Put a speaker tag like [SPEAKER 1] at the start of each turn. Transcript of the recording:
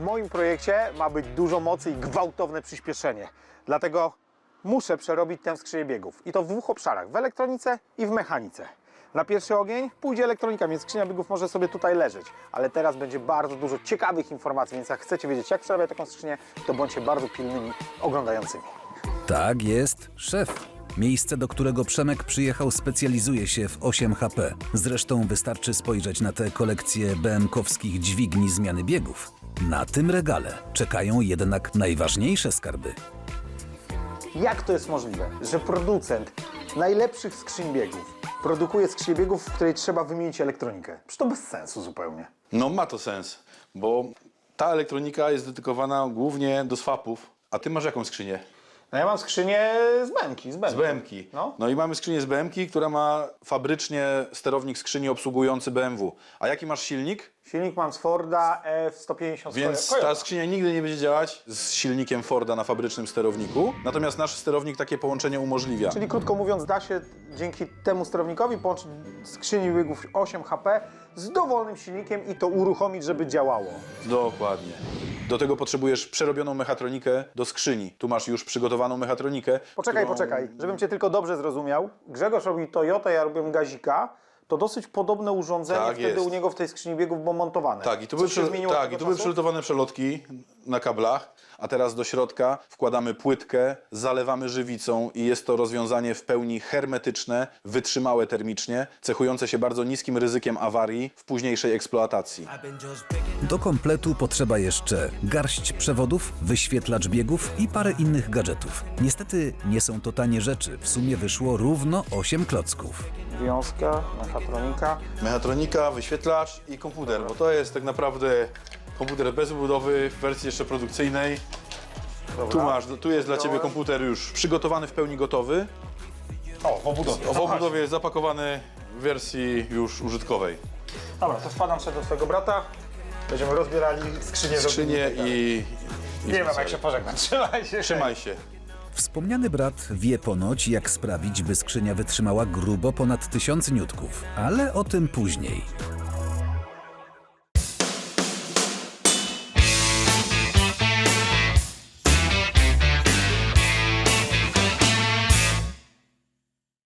[SPEAKER 1] moim projekcie ma być dużo mocy i gwałtowne przyspieszenie. Dlatego muszę przerobić tę skrzynię biegów. I to w dwóch obszarach, w elektronice i w mechanice. Na pierwszy ogień pójdzie elektronika, więc skrzynia biegów może sobie tutaj leżeć. Ale teraz będzie bardzo dużo ciekawych informacji, więc jak chcecie wiedzieć, jak przerabiać taką skrzynię, to bądźcie bardzo pilnymi oglądającymi.
[SPEAKER 2] Tak jest, szef. Miejsce, do którego Przemek przyjechał, specjalizuje się w 8 HP. Zresztą wystarczy spojrzeć na tę kolekcję BM-kowskich dźwigni zmiany biegów. Na tym regale czekają jednak najważniejsze skarby.
[SPEAKER 1] Jak to jest możliwe, że producent najlepszych skrzyń biegów produkuje skrzynię biegów, w której trzeba wymienić elektronikę? Przecież to bez sensu zupełnie.
[SPEAKER 3] No ma to sens, bo ta elektronika jest dedykowana głównie do swapów. A ty masz jaką skrzynię?
[SPEAKER 1] No ja mam skrzynię z BM-ki.
[SPEAKER 3] Z BM-ki.
[SPEAKER 1] No.
[SPEAKER 3] I mamy skrzynię z BM-ki, która ma fabrycznie sterownik skrzyni obsługujący BMW. A jaki masz silnik?
[SPEAKER 1] Silnik mam z Forda F150.
[SPEAKER 3] Więc ta skrzynia nigdy nie będzie działać z silnikiem Forda na fabrycznym sterowniku. Natomiast nasz sterownik takie połączenie umożliwia.
[SPEAKER 1] Czyli krótko mówiąc, da się dzięki temu sterownikowi połączyć skrzynię biegów 8 HP z dowolnym silnikiem i to uruchomić, żeby działało.
[SPEAKER 3] Dokładnie. Do tego potrzebujesz przerobioną mechatronikę do skrzyni. Tu masz już przygotowaną mechatronikę.
[SPEAKER 1] Poczekaj, żebym cię tylko dobrze zrozumiał. Grzegorz robi Toyota, ja robię Gazika. To dosyć podobne urządzenie
[SPEAKER 3] Tak
[SPEAKER 1] wtedy
[SPEAKER 3] jest.
[SPEAKER 1] u niego w tej skrzyni biegów było montowane.
[SPEAKER 3] Tak, i tu,
[SPEAKER 1] Coś się zmieniło od tego
[SPEAKER 3] były
[SPEAKER 1] czasu?
[SPEAKER 3] przelutowane przelotki na kablach, a teraz do środka wkładamy płytkę, zalewamy żywicą i jest to rozwiązanie w pełni hermetyczne, wytrzymałe termicznie, cechujące się bardzo niskim ryzykiem awarii w późniejszej eksploatacji.
[SPEAKER 2] Do kompletu potrzeba jeszcze garść przewodów, wyświetlacz biegów i parę innych gadżetów. Niestety nie są to tanie rzeczy, w sumie wyszło równo 8 klocków.
[SPEAKER 1] Wiązka, mechatronika.
[SPEAKER 3] Mechatronika, wyświetlacz i komputer, bo to jest tak naprawdę komputer bez budowy w wersji jeszcze produkcyjnej.
[SPEAKER 1] Dobra.
[SPEAKER 3] Tu jest dla Ciebie komputer już przygotowany, w pełni gotowy.
[SPEAKER 1] O, w obudowie.
[SPEAKER 3] W obudowie jest zapakowany w wersji już użytkowej.
[SPEAKER 1] Dobra, to wpadam sobie do twojego brata. Będziemy rozbierali skrzynię.
[SPEAKER 3] Skrzynię i
[SPEAKER 1] Nie wiem, jak się pożegnać. Trzymaj się.
[SPEAKER 3] Trzymaj się.
[SPEAKER 2] Wspomniany brat wie ponoć, jak sprawić, by skrzynia wytrzymała grubo ponad 1000 niutków, ale o tym później.